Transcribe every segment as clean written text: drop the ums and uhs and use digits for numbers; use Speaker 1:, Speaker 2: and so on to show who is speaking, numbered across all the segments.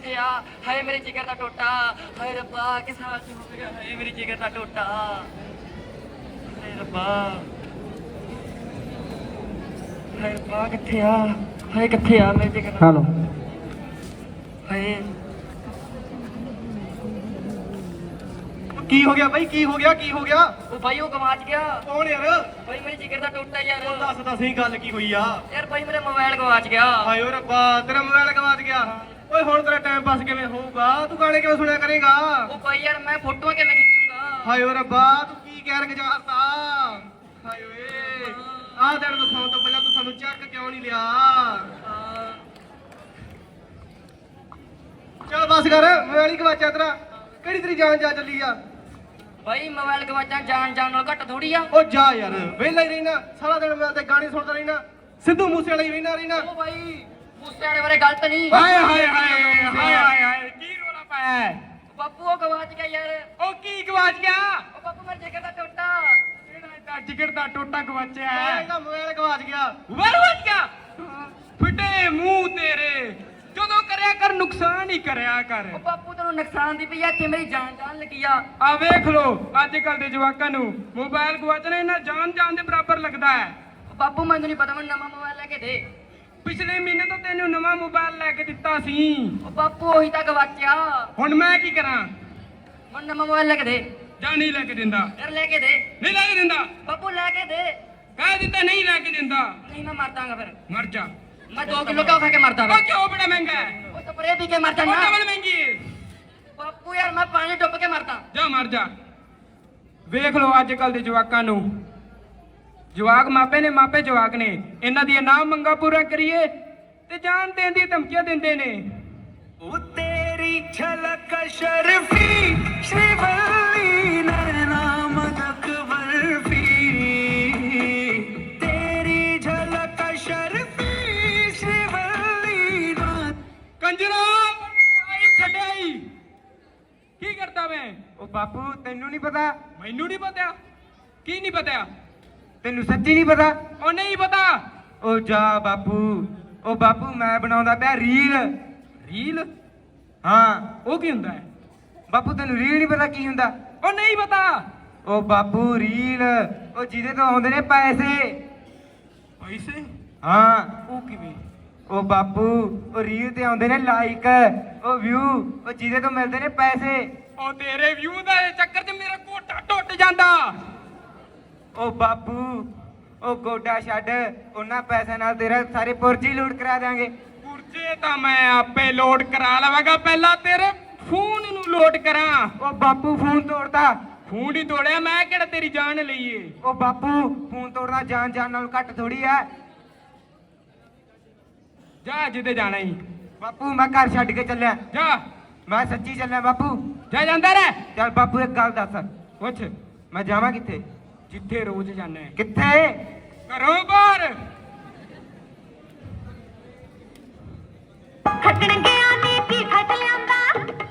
Speaker 1: ਕਿੱਥੇ ਆ? ਹਾਏ ਮੇਰੇ ਜਿਗਰ ਦਾ ਟੋਟਾ, ਹਾਏ ਰੱਬਾ ਕਿਸ ਹਾਲ ਚ ਹੋ ਗਿਆ, ਹਾਏ ਮੇਰੀ ਜਿਗਰ ਦਾ ਟੋਟਾ, ਹਾਏ ਰੱਬਾ, ਹਾਏ ਰੱਬਾ ਕਿੱਥੇ ਆ? ਹਾਏ ਕਿੱਥੇ ਆ ਮੇਰੇ ਜਿਗਰ ਦਾ?
Speaker 2: ਹੈਲੋ
Speaker 1: ਹਾਏ
Speaker 3: ਕੀ ਹੋ ਗਿਆ ਬਾਈ? ਕੀ ਹੋ ਗਿਆ? ਕੀ ਹੋ ਗਿਆ?
Speaker 1: ਉਹ ਬਾਈ ਉਹ ਗਵਾਚ ਗਿਆ
Speaker 3: ਕੌਣ ਯਾਰ?
Speaker 1: ਬਾਈ ਮੇਰੇ ਜਿਗਰ ਦਾ ਟੋਟਾ ਯਾਰ।
Speaker 3: ਉਹ ਦੱਸ ਤਾਂ ਸਹੀ ਗੱਲ ਕੀ ਹੋਈ ਆ?
Speaker 1: ਯਾਰ ਬਾਈ ਮੇਰਾ ਮੋਬਾਈਲ ਗਵਾਚ ਗਿਆ।
Speaker 3: ਹਾਏ ਓ ਰੱਬਾ, ਤੇਰਾ ਮੋਬਾਈਲ ਗਵਾਚ ਗਿਆ। ਓਏ ਹੁਣ ਤੇਰਾ ਟਾਈਮ ਪਾਸ ਕਿਵੇਂ ਹੋਊਗਾ? ਤੂੰ ਗਾਣੇ ਕਿਵੇਂ ਸੁਣਿਆ ਕਰੇਗਾ?
Speaker 1: ਉਹ ਬਾਈ ਯਾਰ ਮੈਂ ਫੋਟੋਆਂ ਕਿਵੇਂ ਖਿੱਚੂੰਗਾ?
Speaker 3: ਹਾਏ ਓ ਰੱਬਾ, ਤੂੰ ਕੀ ਕਹਿ ਗੁਜ਼ਾਰਤਾ? ਹਾਏ ਓਏ, ਆਹ ਦਿਨ ਦਿਖਾਉਣ ਤੋਂ ਪਹਿਲਾਂ ਤੂੰ ਸਾਨੂੰ ਚੱਕ ਕਿਉਂ ਨਹੀਂ ਲਿਆ? ਚੱਲ ਬਸ ਕਰ, ਮੋਬਾਈਲ ਹੀ ਗਵਾਚਿਆ ਤੇਰਾ। ਕਿਹੜੀ ਤੇਰੀ ਜਾਨ ਜਾ ਚੱਲੀ ਆ?
Speaker 1: ਬਾਈ ਮੋਬਾਈਲ ਗਵਾਚਾਂ ਜਾਣ ਨਾਲ ਘੱਟ ਥੋੜੀ ਆ।
Speaker 3: ਉਹ ਜਾ ਯਾਰ, ਵਿਹਲਾ ਹੀ ਰਹਿਣਾ ਸਾਰਾ ਦਿਨ, ਮੈਂ ਤੇ ਗਾਣੇ ਸੁਣਦਾ ਰਹਿਣਾ, ਸਿੱਧੂ ਮੂਸੇ ਵਾਲਾ ਹੀ ਰਹਿਣਾ।
Speaker 1: ਉਹ ਬਾਈ ਮੂਸੇ ਵਾਲੇ ਬਾਰੇ ਗਲਤ ਨਹੀਂ।
Speaker 2: ਹਾਏ ਹਾਏ ਹਾਏ ਹਾਏ ਹਾਏ ਹਾਏ ਕੀ ਰੋਲਾ ਪਾਇਆ ਹੈ?
Speaker 1: ਬਾਪੂ ਉਹ ਗਵਾਚ ਗਿਆ ਯਾਰ।
Speaker 2: ਉਹ ਕੀ ਗਵਾਚ ਗਿਆ?
Speaker 1: ਉਹ ਬਾਪੂ ਮੇਰੇ ਜਿਗਰ ਦਾ ਟੋਟਾ।
Speaker 2: ਕਿਹੜਾ ਇਹਦਾ ਜਿਗਰ ਦਾ ਟੋਟਾ ਗਵਾਚਿਆ ਹੈ?
Speaker 3: ਇਹਦਾ ਮੋਬਾਈਲ ਗਵਾਚ ਗਿਆ।
Speaker 2: ਗਵਾਚ ਗਿਆ? ਫਿੱਟੇ ਮੂੰਹ ਤੇਰੇ, ਜਦੋਂ ਕਰਿਆ ਕਰ ਨੁਕਸਾਨ ਹੀ ਕਰਿਆ ਕਰ।
Speaker 1: ਉਹ ਬਾਪੂ ਤੈਨੂੰ ਨੁਕਸਾਨ ਦੀ ਪਈ ਆ, ਇੱਥੇ ਮੇਰੀ ਜਾਨ ਜਾਣ ਲੱਗੀ ਆ।
Speaker 2: ਆ ਵੇਖ ਲੋ ਅੱਜ ਕੱਲ ਦੇ ਜਵਾਕਾਂ ਨੂੰ ਮੋਬਾਈਲ ਗਵਾਚਣਾ ਇਹਨਾਂ ਜਾਨ ਦੇ ਬਰਾਬਰ ਲੱਗਦਾ ਹੈ।
Speaker 1: ਉਹ ਬਾਪੂ ਮੈਨੂੰ ਨਹੀਂ ਪਤਾ, ਮੈਨੂੰ ਨਵਾਂ ਮੋਬਾਈਲ ਲੈ ਕੇ ਦੇ।
Speaker 2: ਪਿਛਲੇ ਮਹੀਨੇ ਤਾਂ ਤੈਨੂੰ ਨਵਾਂ ਮੋਬਾਈਲ ਲੈ ਕੇ ਦਿੱਤਾ ਸੀ।
Speaker 1: ਉਹ ਬਾਪੂ ਉਹੀ ਤਾਂ ਗਵਾਚਿਆ।
Speaker 2: ਹੁਣ ਮੈਂ ਕੀ ਕਰਾਂ?
Speaker 1: ਮੈਨੂੰ ਨਵਾਂ ਮੋਬਾਈਲ ਲੈ ਕੇ ਦੇ।
Speaker 2: ਜਾਂ ਨਹੀਂ ਲੈ ਕੇ ਦਿੰਦਾ?
Speaker 1: ਯਾਰ ਲੈ ਕੇ ਦੇ
Speaker 2: ਨਹੀਂ ਲੈ ਕੇ ਦਿੰਦਾ?
Speaker 1: ਬਾਪੂ, ਲੈ ਕੇ ਦੇ।
Speaker 2: ਕਹਿ ਦਿੱਤਾ ਨਹੀਂ ਲੈ ਕੇ ਦਿੰਦਾ।
Speaker 1: ਨਹੀਂ ਮੈਂ ਮਰ ਜਾਵਾਂਗਾ ਫਿਰ।
Speaker 2: ਮਰ ਜਾ।
Speaker 1: ਮੈਂ 2 ਕਿਲੋ ਘਿਓ ਖਾ ਕੇ ਮਰਦਾ ਵਾ।
Speaker 2: ਉਹ ਕਿਉਂ ਬੜਾ ਮਹਿੰਗਾ ਹੈ?
Speaker 1: ਉਹ ਸਪਰੇ ਪੀ ਕੇ ਮਰ
Speaker 2: ਉਹ
Speaker 1: ਜਾਣਾ।
Speaker 2: ਡਬਲ ਮਹਿੰਗੀ ਹੈ।
Speaker 1: ਬਾਪੂ ਯਾਰ ਮੈਂ ਪਾਣੀ ਡੁੱਬ ਕੇ ਮਰਦਾ।
Speaker 2: ਜਾ ਮਰ ਜਾ। ਵੇਖ ਲੋ ਅੱਜ ਕੱਲ ਦੇ ਜਵਾਕਾਂ ਨੂੰ, ਜਵਾਕ ਮਾਪੇ ਨੇ, ਮਾਪੇ ਜਵਾਕ ਨੇ, ਇਹਨਾਂ ਦੀਆਂ ਨਾ ਮੰਗਾਂ ਪੂਰਾ ਕਰੀਏ ਤੇ ਜਾਨ ਦੇਣ ਦੀ ਧਮਕੀਆਂ ਦਿੰਦੇ ਨੇ। ਉਹ ਤੇਰੀ ਝਲਕ ਸ਼ਰਫੀ ਸ਼੍ਰੀਵੱਲੀ ਨੈਣਾ ਮਦਕ ਬਰਫੀ, ਤੇਰੀ ਝਲਕ ਸ਼ਰਫੀ ਸ਼੍ਰੀਵੱਲੀ ਨਾ। ਕੰਜਰਾ ਆਈ ਛੱਡਾਈ ਕੀ ਕਰਦਾ ਮੈਂ?
Speaker 4: ਉਹ ਬਾਪੂ ਤੈਨੂੰ ਨਹੀਂ ਪਤਾ?
Speaker 2: ਮੈਨੂੰ ਨਹੀਂ ਪਤਾ। ਕੀ ਨਹੀਂ ਪਤਾ?
Speaker 4: ਤੈਨੂੰ ਸੱਚੀ ਨਹੀਂ ਪਤਾ?
Speaker 2: ਉਹ ਨਹੀਂ ਪਤਾ।
Speaker 4: ਉਹ ਜਾ ਬਾਪੂ, ਉਹ ਬਾਪੂ ਮੈਂ ਬਣਾਉਂਦਾ ਪਿਆ ਰੀਲ।
Speaker 2: ਰੀਲ?
Speaker 4: ਹਾਂ
Speaker 2: ਉਹ ਕੀ ਹੁੰਦਾ ਹੈ?
Speaker 4: ਬਾਪੂ ਤੈਨੂੰ ਰੀਲ ਨਹੀਂ ਪਤਾ ਕੀ ਹੁੰਦਾ?
Speaker 2: ਉਹ ਨਹੀਂ ਪਤਾ।
Speaker 4: ਉਹ ਬਾਪੂ ਰੀਲ, ਉਹ ਜਿਹਦੇ ਤੋਂ ਆਉਂਦੇ ਨੇ ਪੈਸੇ।
Speaker 2: ਪੈਸੇ?
Speaker 4: ਹਾਂ
Speaker 2: ਉਹ ਕਿਵੇਂ?
Speaker 4: ਉਹ ਬਾਪੂ ਉਹ ਰੀਲ ਤੇ ਆਉਂਦੇ ਨੇ ਲਾਈਕ, ਉਹ ਵਿਊ, ਉਹ ਜਿਹਦੇ ਤੋਂ ਮਿਲਦੇ ਨੇ ਪੈਸੇ।
Speaker 2: ਉਹ ਤੇਰੇ ਵਿਊ ਦਾ ਚੱਕਰ 'ਚ ਮੇਰਾ ਕੋਟਾ ਟੁੱਟ ਜਾਂਦਾ।
Speaker 4: ਉਹ ਬਾਪੂ ਉਹ ਗੋਡਾ ਛੱਡ, ਉਹਨਾਂ ਪੈਸਿਆਂ ਨਾਲ ਤੇਰਾ ਸਾਰੇ ਪੁਰਜੀ ਲੂਟ ਕਰਾ ਦਿਆਂਗੇ।
Speaker 2: ਪੁਰਜੇ ਤਾਂ ਮੈਂ ਆਪੇ ਲੋਡ ਕਰਾ ਲਵਾਂਗਾ, ਪਹਿਲਾਂ ਤੇਰੇ ਫੋਨ ਨੂੰ ਲੋਡ ਕਰਾਂ।
Speaker 4: ਉਹ ਬਾਪੂ ਫੋਨ ਤੋੜਦਾ।
Speaker 2: ਫੋਨ ਹੀ ਤੋੜਿਆ ਮੈਂ, ਕਿਹੜਾ ਤੇਰੀ ਜਾਨ ਲਈਏ?
Speaker 4: ਉਹ ਬਾਪੂ ਫੋਨ ਤੋੜਨਾ ਜਾਨ ਨਾਲੋਂ ਘੱਟ ਥੋੜੀ ਐ।
Speaker 2: ਜਾ ਜਿੱਦੇ ਜਾਣਾ ਹੀ।
Speaker 4: ਬਾਪੂ ਮੈਂ ਘਰ ਛੱਡ ਕੇ ਚੱਲਿਆ।
Speaker 2: ਜਾ।
Speaker 4: ਮੈਂ ਸੱਚੀ ਚੱਲਿਆ ਬਾਪੂ।
Speaker 2: ਜਾ ਜਾਂਦਾ ਰਹਿ।
Speaker 4: ਚੱਲ ਬਾਪੂ ਇੱਕ ਗੱਲ ਦੱਸ,
Speaker 2: ਪੁੱਛ।
Speaker 4: ਮੈਂ ਜਾਵਾਂ ਕਿੱਥੇ?
Speaker 2: ਜਿੱਥੇ ਰੋਜ਼ ਜਾਂਦਾ ਹੈ।
Speaker 4: ਕਿੱਥੇ?
Speaker 2: ਘਰੋਂ ਬਾਹਰ।
Speaker 5: ਖੱਟਣ ਗਿਆ ਨੀ ਕੀ ਖੱਟ ਲਿਆਂਦਾ,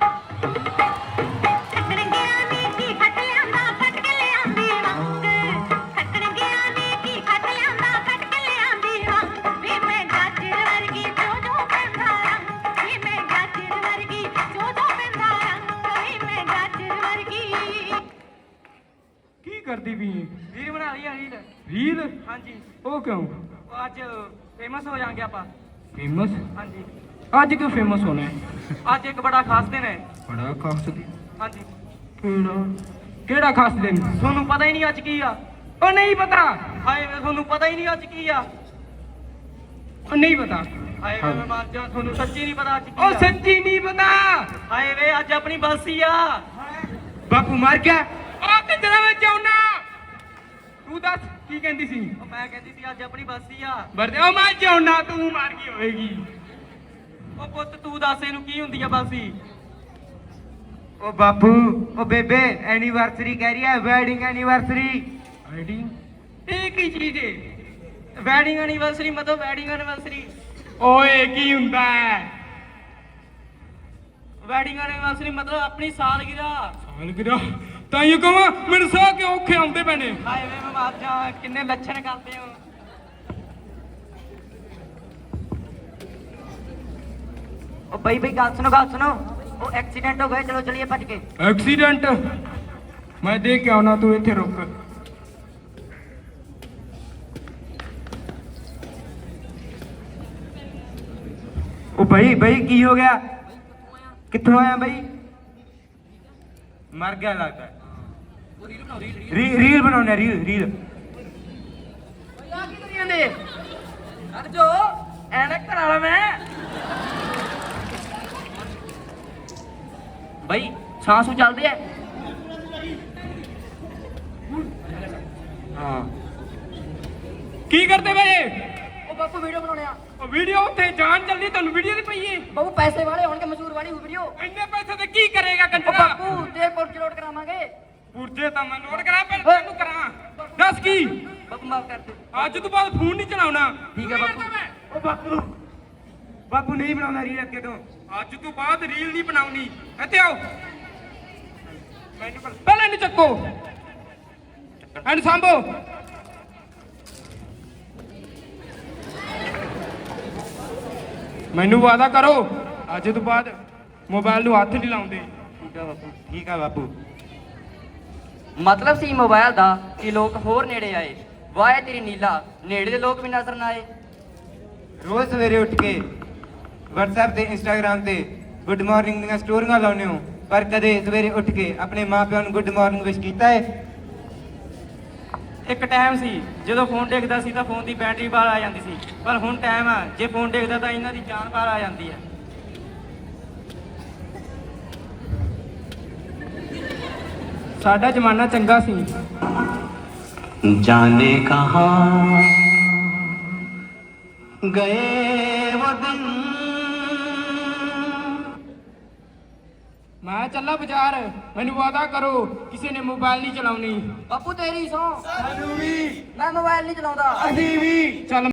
Speaker 5: ਖੱਟਣ ਗਿਆ ਨੀ ਕੀ ਖੱਟ ਲਿਆਂਦਾ, ਖੱਟ ਕੇ ਲਿਆਂਦੀ ਰੰਗ। ਖੱਟਣ ਗਿਆ ਨੀ ਕੀ ਖੱਟ ਲਿਆਂਦਾ, ਖੱਟ ਕੇ ਲਿਆਂਦੀ ਰੰਗ। ਵੀ ਮੈਂ ਗਾਜਰ ਵਰਗੀ ਜੋ ਪੈਂਦਾ ਰੰਗ, ਵੀ ਮੈਂ ਗਾਜਰ ਵਰਗੀ ਜੋ ਪੈਂਦਾ ਰੰਗ, ਵੀ ਮੈਂ ਗਾਜਰ ਵਰਗੀ।
Speaker 2: ਕੀ ਕਰਦੀ ਵੀ?
Speaker 1: ਰੀਲ ਬਣਾ ਲਈ ਆ ਰੀਲ।
Speaker 2: ਰੀਲ?
Speaker 1: ਹਾਂਜੀ।
Speaker 2: ਉਹ ਕਿਉਂ?
Speaker 1: ਉਹ ਅੱਜ ਫੇਮਸ ਹੋ ਜਾਾਂਗੇ ਆਪਾਂ।
Speaker 2: ਫੇਮਸ?
Speaker 1: ਹਾਂਜੀ।
Speaker 2: ਅੱਜ ਕਿਉਂ ਫੇਮਸ ਹੋਣਾ ਹੈ?
Speaker 1: ਅੱਜ ਇੱਕ ਬੜਾ ਖਾਸ ਦਿਨ ਹੈ।
Speaker 2: ਬੜਾ ਖਾਸ ਦਿਨ?
Speaker 1: ਹਾਂਜੀ।
Speaker 2: ਕਿਹੜਾ? ਕਿਹੜਾ ਖਾਸ ਦਿਨ?
Speaker 1: ਤੁਹਾਨੂੰ ਪਤਾ ਹੀ ਨਹੀਂ ਅੱਜ ਕੀ ਆ।
Speaker 2: ਉਹ ਨਹੀਂ ਪਤਾ।
Speaker 1: ਹਾਏ ਵੇ ਤੁਹਾਨੂੰ ਪਤਾ ਹੀ ਨਹੀਂ ਅੱਜ ਕੀ ਆ।
Speaker 2: ਉਹ ਨਹੀਂ ਪਤਾ।
Speaker 1: ਹਾਏ ਵੇ ਮੈਂ ਮਰ ਜਾ, ਤੁਹਾਨੂੰ ਸੱਚੀ ਨਹੀਂ ਪਤਾ ਅੱਜ ਕੀ
Speaker 2: ਉਹ
Speaker 1: ਆ।
Speaker 2: ਸੱਚੀ ਨਹੀਂ ਪਤਾ।
Speaker 1: ਹਾਏ ਵੇ ਅੱਜ ਆਪਣੀ ਬਰਸੀ ਆ।
Speaker 4: ਬਾਪੂ ਮਰ ਗਿਆ।
Speaker 2: ਉਹ ਕਿੱਧਰ ਵਿੱਚ ਆਉਣਾ? ਤੂੰ ਦੱਸ ਕੀ ਕਹਿੰਦੀ ਸੀ?
Speaker 1: ਉਹ ਮੈਂ ਕਹਿੰਦੀ ਸੀ ਅੱਜ ਆਪਣੀ ਬਰਸੀ ਆ।
Speaker 2: ਵਰਦੇ ਉਹ ਮੈਂ ਜਾਉਣਾ, ਤੂੰ ਮਾਰ ਗਈ ਹੋਏਗੀ।
Speaker 1: ਉਹ ਪੁੱਤ ਤੂੰ ਦੱਸ ਇਹਨੂੰ ਕੀ ਹੁੰਦੀ ਆ ਬਰਸੀ?
Speaker 4: ਉਹ ਬਾਪੂ ਉਹ ਬੇਬੇ ਐਨੀਵਰਸਰੀ ਕਹਿ ਰਹੀ ਹੈ, ਵੈਡਿੰਗ ਐਨੀਵਰਸਰੀ।
Speaker 2: ਵੈਡਿੰਗ? ਇਹ ਕੀ ਚੀਜ਼ ਹੈ?
Speaker 1: ਵੈਡਿੰਗ ਐਨੀਵਰਸਰੀ ਮਤਲਬ ਵੈਡਿੰਗ ਐਨੀਵਰਸਰੀ।
Speaker 2: ਓਏ ਕੀ ਹੁੰਦਾ ਹੈ?
Speaker 1: ਵੈਡਿੰਗ ਐਨੀਵਰਸਰੀ ਮਤਲਬ ਆਪਣੀ ਸਾਲਗਿਰਾ।
Speaker 2: ਸਾਲਗਿਰਾ? ਤਾਂ ਇਹ ਕਹਾਂ ਮੇਰੇ ਸਾਹ ਕਿ ਔਖੇ ਆਉਂਦੇ ਪੈਣੇ।
Speaker 1: ਹਾਏ ਵੇ ਮੈਂ ਮਰ ਜਾ, ਕਿੰਨੇ ਲੱਛਣ ਕਰਦੇ ਹੋ। ਉਹ ਬਈ ਗੱਲ ਸੁਣੋ ਉਹ ਐਕਸੀਡੈਂਟ ਹੋ ਗਿਆ ਚਲੋ ਚਲੀਏ ਭੱਜ ਕੇ
Speaker 2: ਐਕਸੀਡੈਂਟ ਮੈਂ ਦੇਖ ਕੇ ਆਉਣਾ ਤੂੰ ਇੱਥੇ ਰੁਕ
Speaker 4: ਉਹ ਬਈ ਕੀ ਹੋ ਗਿਆ ਕਿੱਥੋਂ ਆਇਆ ਬਈ ਮਰ ਗਿਆ ਲੱਗਦਾ ਰੀਲ ਬਣਾਉਣਾ ਰੀਲ
Speaker 1: ਆ ਕੀ ਕਰੀ ਜਾਂਦੇ ਅਰ ਜੋ ਐਨਕ ਕਰਾ ਲਾ ਮੈਂ ਬਈ ਸਾਂਸੂ ਚੱਲਦੇ ਐ
Speaker 4: ਹਾਂ
Speaker 2: ਕੀ ਕਰਦੇ ਬਈ
Speaker 1: ਉਹ ਬਾਪੂ ਵੀਡੀਓ ਬਣਾਉਣੇ ਆ
Speaker 2: ਉਹ ਵੀਡੀਓ ਉੱਥੇ ਜਾਨ ਚੱਲਦੀ ਤੁਹਾਨੂੰ ਵੀਡੀਓ ਦੀ ਪਈ ਏ
Speaker 1: ਬਾਪੂ ਪੈਸੇ ਵਾਲੇ ਹੋਣਗੇ ਮਸ਼ਹੂਰ ਵਾਲੀ ਹੋ ਵੀਡੀਓ
Speaker 2: ਇੰਨੇ ਪੈਸੇ ਤੇ ਕੀ ਕਰੇਗਾ
Speaker 1: ਉਹ
Speaker 2: ਕੰਜਰਾ
Speaker 1: ਬਾਪੂ ਤੇ ਪੁਰਜ ਲੋਡ ਕਰਾਵਾਂਗੇ
Speaker 2: ਪੁਰਜੇ ਤਾਂ ਮੈਂ ਲੋਡ ਕਰਾਂ ਪਰ ਤੈਨੂੰ ਕਰਾਂ ਦੱਸ ਕੀ
Speaker 1: ਬਾਪੂ ਮਾਫ ਕਰ ਦੇ
Speaker 2: ਅੱਜ ਤੋਂ ਬਾਅਦ ਫੋਨ ਨਹੀਂ ਚਲਾਉਣਾ
Speaker 1: ਠੀਕ ਹੈ ਬਾਪੂ
Speaker 4: ਉਹ ਬਾਪੂ ਨਹੀਂ ਬਣਾਉਣਾ ਰੀਲ ਅੱਗੇ ਤੋਂ
Speaker 2: ਅੱਜ ਤੋਂ ਬਾਅਦ ਰੀਲ ਨਹੀਂ ਬਣਾਉਣੀ ਇੱਥੇ ਆਓ ਮੈਨੂੰ ਪਹਿਲਾਂ ਇਹਨੂੰ ਚੱਕੋ ਇਹਨੂੰ ਸਾਂਭੋ ਮੈਨੂੰ ਵਾਅਦਾ ਕਰੋ ਅੱਜ ਤੋਂ ਬਾਅਦ ਮੋਬਾਈਲ ਨੂੰ ਹੱਥ ਨਹੀਂ ਲਾਉਂਦੇ
Speaker 4: ਠੀਕ ਆ ਬਾਪੂ
Speaker 1: ਮਤਲਬ ਸੀ ਮੋਬਾਈਲ ਦਾ ਕਿ ਲੋਕ ਹੋਰ ਨੇੜੇ ਆਏ ਵਾਏ ਤੇਰੀ ਨੀਲਾ ਨੇੜੇ ਦੇ ਲੋਕ ਵੀ ਨਜ਼ਰ ਨਾ ਆਏ
Speaker 4: ਰੋਜ਼ ਸਵੇਰੇ ਉੱਠ ਕੇ WhatsApp ਤੇ Instagram ਤੇ ਗੁੱਡ ਮਾਰਨਿੰਗ ਦੀਆਂ ਸਟੋਰੀਆਂ ਲਾਉਂਦੇ ਹੋ ਪਰ ਕਦੇ ਸਵੇਰੇ ਉੱਠ ਕੇ ਆਪਣੇ ਮਾਪਿਆਂ ਨੂੰ ਗੁੱਡ ਮਾਰਨਿੰਗ ਵਿਸ਼ ਕੀਤਾ ਹੈ
Speaker 6: ਇੱਕ ਟਾਈਮ ਸੀ ਜਦੋਂ ਫੋਨ ਦੇਖਦਾ ਸੀ ਤਾਂ ਫੋਨ ਦੀ ਬੈਟਰੀ ਬਾਹਰ ਆ ਜਾਂਦੀ ਸੀ ਪਰ ਹੁਣ ਟਾਈਮ ਆ ਜੇ ਫੋਨ ਦੇਖਦਾ ਤਾਂ ਇਹਨਾਂ ਦੀ ਜਾਨ ਬਾਹਰ ਆ ਜਾਂਦੀ ਹੈ
Speaker 2: ਸਾਡਾ ਜ਼ਮਾਨਾ ਚੰਗਾ ਸੀ
Speaker 7: जाने कहाँ गए वो दिन
Speaker 2: ਮੈਂ ਚੱਲਾ ਬਾਜ਼ਾਰ ਮੈਨੂੰ ਵਾਅਦਾ ਕਰੋ ਕਿਸੇ ਨੇ ਮੋਬਾਈਲ ਨਹੀਂ ਚਲਾਉਣੀ
Speaker 1: ਬਾਪੂ ਤੇਰੀ ਸੌ ਮੈਂ ਮੋਬਾਈਲ ਨਹੀਂ ਚਲਾਉਂਦਾ
Speaker 2: ਚੱਲ